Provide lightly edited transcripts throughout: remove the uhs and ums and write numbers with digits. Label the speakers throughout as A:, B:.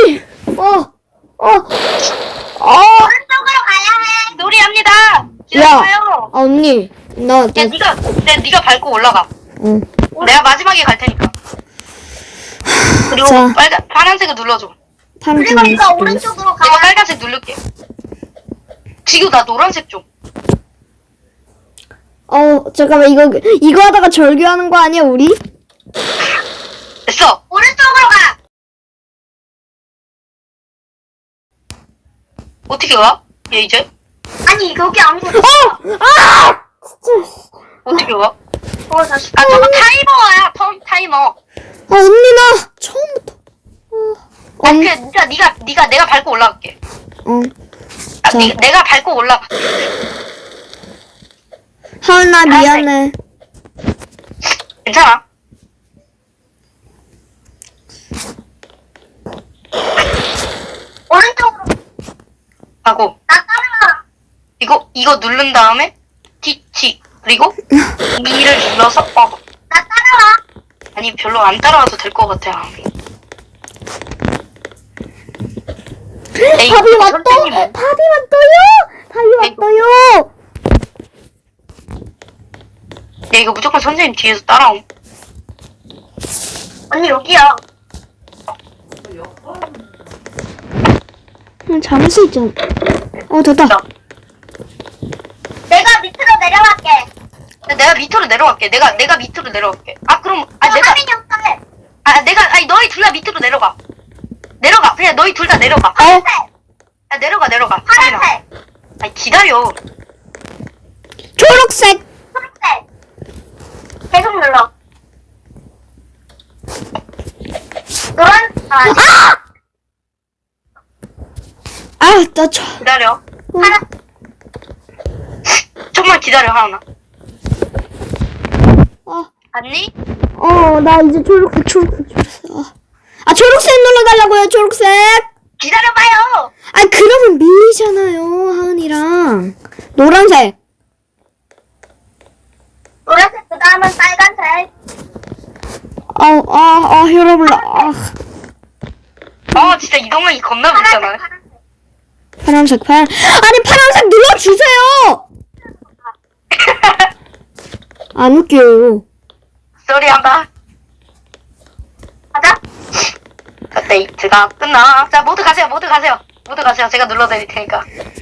A: 언니!
B: 오른쪽으로 가야 해.
C: 놀이합니다.
A: 야!
C: 기다려요.
A: 아, 언니.
C: 야, 네가 밟고 올라가.
A: 응.
C: 내가 마지막에 갈 테니까. 그리고
A: 자.
C: 파란색을 눌러줘.
A: 파란색
B: 그리고 이거
A: 눌렀어.
B: 오른쪽으로
C: 내가
B: 가야 해.
C: 빨간색 누를게. 지금 나 노란색 좀.
A: 잠깐만, 이거 하다가 절규하는 거 아니야, 우리?
C: 됐어.
B: 오른쪽으로 가.
C: 어떻게 가? 얘 이제?
B: 아니 여기 아무것도
C: 어떻게 가?
B: 다시.
C: 아, 저거 타이머야. 타이머.
A: 언니, 나 처음부터.
C: 그러니까 내가 밟고 올라갈게. 아,
A: 자.
C: 내가 밟고 올라가.
A: 하은아, 미안해.
C: 괜찮아.
B: 오른쪽으로.
C: 하고
B: 나 따라가.
C: 이거 누른 다음에 T 그리고 E를 눌러서
B: 나 따라와.
C: 아니 별로 안 따라와도 될 것 같아. 에이,
A: 답이 왔다!
C: 선생님.
A: 답이 왔어요!
C: 야, 이거 무조건 선생님 뒤에서 따라옴.
B: 언니 여기야.
A: 잡을 수 있잖아. 됐다.
B: 내가 밑으로 내려갈게.
C: 내가 밑으로 내려갈게. 내가 밑으로 내려갈게. 아 그럼
B: 하민이 형 탈래.
C: 너희 둘 다 밑으로 내려가. 그냥 너희 둘 다 내려가.
B: 파란색.
C: 야, 내려가.
B: 파란색.
C: 아니 기다려.
A: 초록색!
B: 초록색. 계속 눌러. 노란.
C: 기다려.
B: 파란.
C: 좀만 기다려 하나. 봤니?
A: 나 이제 초록색. 초록색 눌러달라고요, 초록색!
C: 기다려봐요.
A: 그러면 밀리잖아요, 하은이랑. 노란색.
B: 노란색 그 다음은 빨간색.
A: 혈압올라.
C: 진짜 이동력이 겁나 무잖아.
B: 파란색.
A: 파란색 눌러주세요! 안 웃겨요.
C: 쏘리 한다.
B: 가자.
C: 데이트가 끝나. 자, 모두 가세요. 제가 눌러드릴 테니까.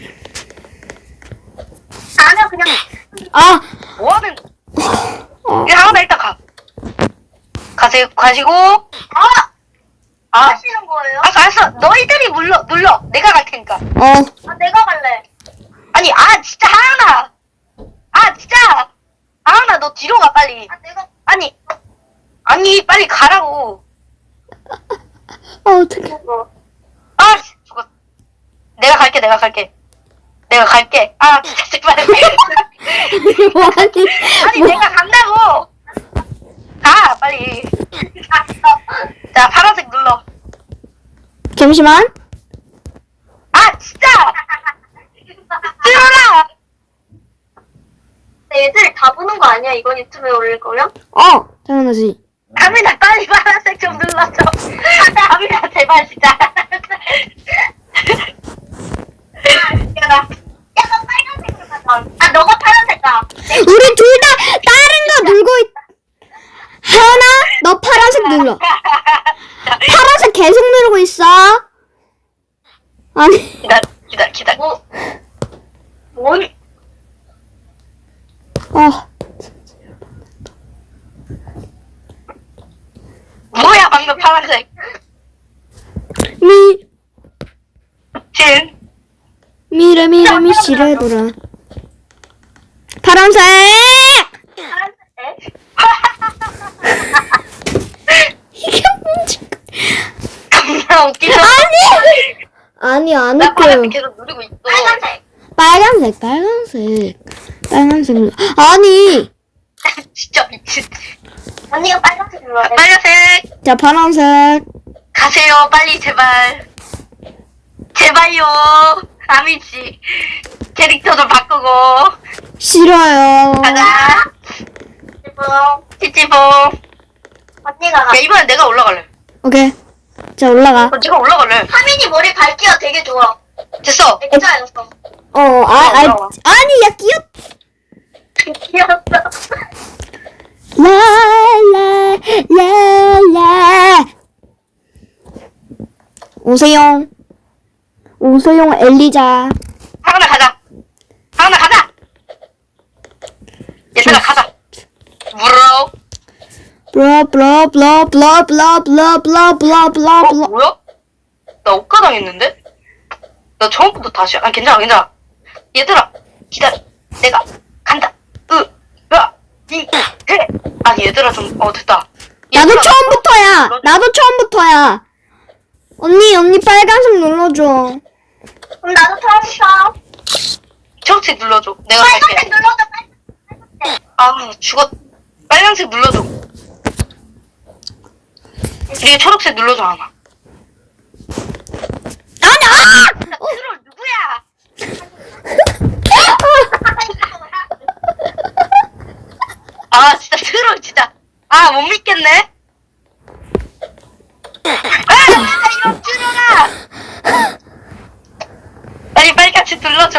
B: 아니야 그냥.
C: 뭐하는? 하나 일단 가. 가시고.
B: 하시는 거예요?
C: 알았어. 너희들이 눌러. 내가 갈 테니까.
B: 내가 갈래.
C: 아니, 진짜 하은아. 진짜. 하은아, 너 뒤로 가 빨리.
B: 내가.
C: 아니, 빨리 가라고.
A: 어떡해.
C: 죽었. 내가 갈게. 진짜 제발. 아니, 내가 간다고. 가, 빨리. 자, 파란색 눌러.
A: 잠시만.
C: 진짜. 들어라.
B: 애들 다 보는 거 아니야? 이건 유튜브에 올릴 거야?
A: 당연하지.
C: 가민아, 빨리 파란색 좀 눌러줘. 가민아, 제발, 진짜.
B: 야, 너 빨간색으로 가자. 너가 파란색 가.
A: 우리 둘 다 다른 거 누르고 하은아, 너 파란색 눌러. 파란색 계속 누르고 있어. 아니.
C: 기다려.
B: 뭔?
C: 뭐야, 방금 파란색.
A: 미시래더라. 파란색!
B: 파란색?
A: 이게 뭔지.
C: 겁나 웃기죠?
A: 아니, 안
C: 나
A: 웃겨요.
C: 파란색 계속 누르고 있어.
A: 빨간색. 아니.
C: 진짜 미친.
B: 언니가 빨간색 눌러야 돼.
C: 빨간색.
A: 자, 파란색.
C: 가세요, 빨리, 제발. 제발요. 아미씨. 캐릭터 좀 바꾸고.
A: 싫어요.
C: 가자.
B: 지금
C: 찌찌봉.
B: 언니가 가.
C: 야, 이번엔 내가 올라갈래.
A: 오케이. 자, 올라가.
C: 네가 올라갈래.
B: 하민이 머리 밝기가 되게 좋아.
C: 됐어.
B: 액자였어.
A: 아니, 야,
B: 귀여웠어.
A: 라라라라. 오세용. 오세용 엘리자.
C: 하은아 가자. 하은아 가자. 얘들아 가자. 물어.
A: 블라블라블라블라블라블라블라블라.
C: 뭐야? 나 억가당했는데? 나 처음부터 다시. 괜찮아. 얘들아 기다려. 내가 간다. 해. 얘들아 좀 됐다.
A: 나도
C: 얘들아,
A: 처음부터야.
C: 눌러줘.
A: 나도 처음부터야. 언니 빨간색 눌러줘.
B: 그럼 나도 처음부터.
C: 초록색 눌러줘. 내가
B: 빨간색
C: 갈게.
B: 눌러줘. 빨간색.
C: 죽었. 빨간색 눌러줘. 이게 초록색 눌러줘 하나.
A: 아니,
C: 트롤 누구야? 진짜 트롤 진짜. 못 믿겠네. 진짜 이런 트롤아. 빨리 빨갛게 눌러줘.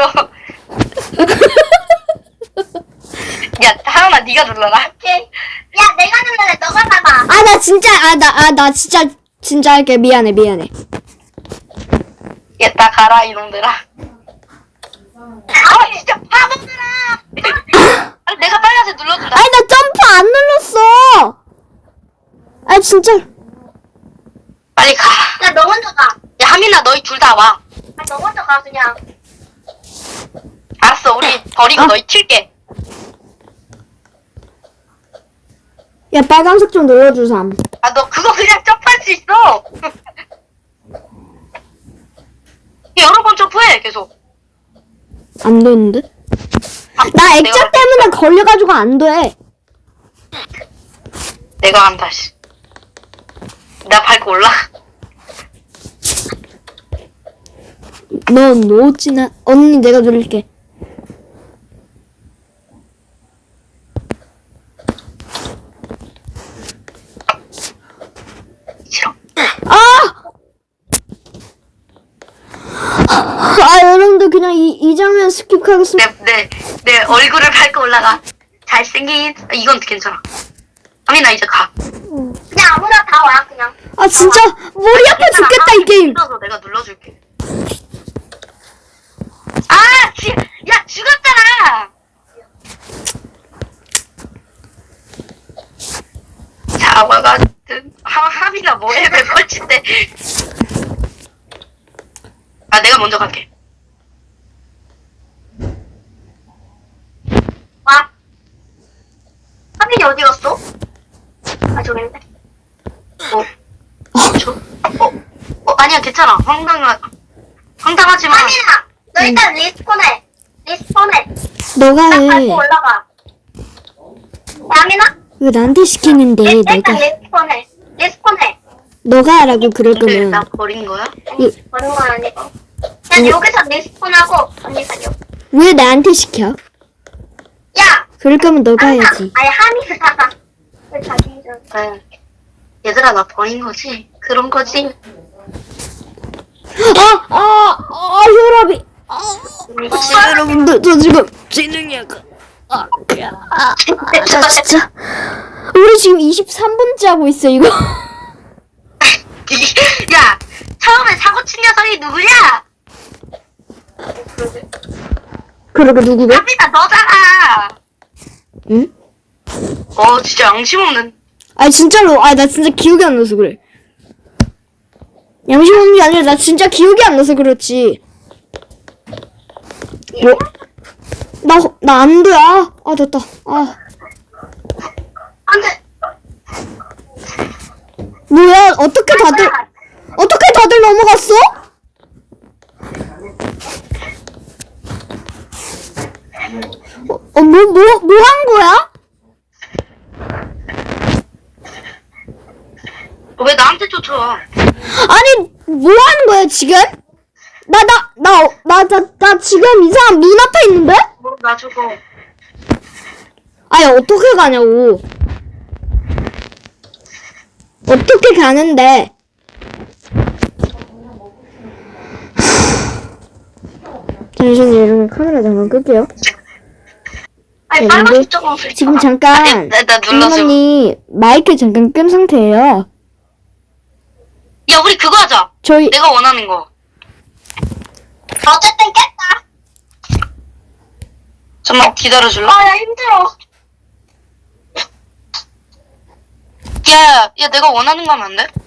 C: 야, 하은아 네가 눌러라.
B: 오케이. 야, 내가 눌러래. 너가 봐봐.
A: 나 진짜 할게. 미안해.
C: 얘다 가라 이놈들아. 진짜 바보들아. 내가 빨간색 눌러준다.
A: 아니, 나 점프 안 눌렀어. 진짜.
C: 빨리 가.
B: 야, 너 먼저 가.
C: 야, 하민아 너희 둘 다 와.
B: 너 먼저 가, 그냥.
C: 알았어, 우리 버리고 너희 튈게.
A: 야, 빨간색 좀 눌러주삼.
C: 너 그거 그냥 점프할 수 있어. 여러 번 점프해 계속.
A: 안 되는데? 나 액자
C: 내가
A: 때문에 걸려가지고 안 돼.
C: 내가 한다 씨. 나 밟고 올라가.
A: 넌 놓지나. 언니 내가 누를게.
C: 싫어.
A: 여러분들 그냥 이 장면 스킵하겠습니다.
C: 내 얼굴을 밟고 올라가. 잘생긴. 이건 괜찮아. 하민아 이제 가.
B: 그냥 아무나 다 와, 그냥.
A: 진짜 머리 아파 죽겠다 이 게임.
C: 눌러서 내가 눌러줄게. 야 죽었잖아. 자와 같은 하민아 뭐해 왜 뻘친데. 내가 먼저 갈게.
B: 와. 하민이 어디 갔어? 저기 있네.
C: 아니야 괜찮아. 황당하지만.
B: 하민아, 너 일단 리스폰해.
A: 너가
B: 딱
A: 해.
B: 밟고 올라가. 야, 하민아?
A: 왜 나한테 시키는데
B: 일단
A: 내가.
B: 리스폰해.
A: 너가 하라고 그럴
C: 근데 나
A: 거면.
C: 버린 거야?
B: 아니, 버는 건 아니고. 그냥 여기서 리스폰하고 언니가 여기.
A: 왜 나한테 시켜?
B: 야!
A: 그럴 거면 너가
B: 하민아.
A: 해야지.
B: 아니, 하민아. 왜 자기 좀.
C: 얘들아 나 버린 거지? 그런 거지?
A: 혈압이. 여러분들 저 지금 지능이 약간. 저 진짜. 우리 지금 23분째 하고 있어 이거.
C: 야 처음에 사고 친 녀석이 누구냐?
A: 그러게 누구게?
C: 하민아 너잖아.
A: 응?
C: 진짜 양심 없는.
A: 진짜로. 나 진짜 기억이 안 나서 그래. 양심 없는 게 아니라 나 진짜 기억이 안 나서 그렇지. 뭐? 나 안 돼. 됐다.
B: 안 돼.
A: 뭐야? 어떻게 다들 넘어갔어? 뭐 한 거야?
C: 왜 나한테 쫓아와?
A: 아니, 뭐 하는 거야, 지금? 나 지금 이상한 문 앞에 있는데?
C: 나 죽어.
A: 어떻게 가냐고. 어떻게 가는데? 잠시만요, 여러분. 카메라 잠깐 끌게요.
B: 아니,
A: 네,
B: 빨간색 조금 불.
A: 지금 잠깐,
C: 나 눌렀어.
A: 언니 마이크 잠깐 끈 상태예요.
C: 야, 우리 그거 하자.
A: 저희,
C: 내가 원하는 거.
B: 어쨌든 깼다.
C: 잠깐만 기다려줄래?
B: 아, 야, 힘들어.
C: 야, 내가 원하는 거 하면 안 돼?